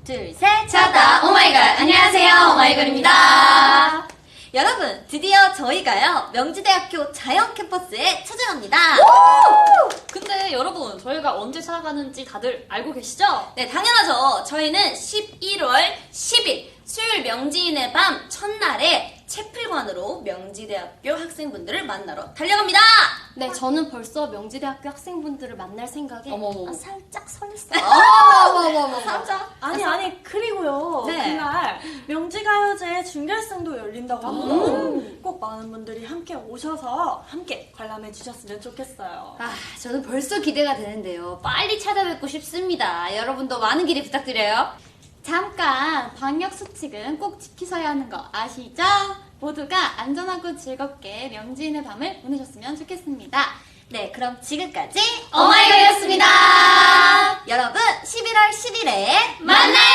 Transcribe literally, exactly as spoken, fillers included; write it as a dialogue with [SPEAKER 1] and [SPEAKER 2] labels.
[SPEAKER 1] 둘, 셋!
[SPEAKER 2] 찾았다! 오마이걸! 안녕하세요, 오마이걸입니다.
[SPEAKER 1] 여러분, 드디어 저희가요, 명지대학교 자연 캠퍼스에 찾아갑니다.
[SPEAKER 2] 근데 여러분, 저희가 언제 찾아가는지 다들 알고 계시죠?
[SPEAKER 1] 네, 당연하죠. 저희는 십일월 십일 수요일 명지인의 밤 첫날에 채플관으로 명지대학교 학생분들을 만나러 달려갑니다.
[SPEAKER 2] 네, 저는 벌써 명지대학교 학생분들을 만날 생각에
[SPEAKER 1] 어머머.
[SPEAKER 2] 아, 살짝 설렜어요.
[SPEAKER 1] 어머머머.
[SPEAKER 2] 살짝.
[SPEAKER 3] 아니 아니 그리고요
[SPEAKER 1] 네.
[SPEAKER 3] 그날 명지가요제 준결승도 열린다고 합니다. 꼭 많은 분들이 함께 오셔서 함께 관람해 주셨으면 좋겠어요.
[SPEAKER 1] 아, 저는 벌써 기대가 되는데요. 빨리 찾아뵙고 싶습니다. 여러분도 많은 기대 부탁드려요.
[SPEAKER 2] 잠깐, 방역수칙은 꼭 지키셔야 하는 거 아시죠? 모두가 안전하고 즐겁게 명지인의 밤을 보내셨으면 좋겠습니다.
[SPEAKER 1] 네, 그럼 지금까지
[SPEAKER 2] 오마이걸이었습니다.
[SPEAKER 1] 여러분, 십일월 십일에
[SPEAKER 2] 만나요!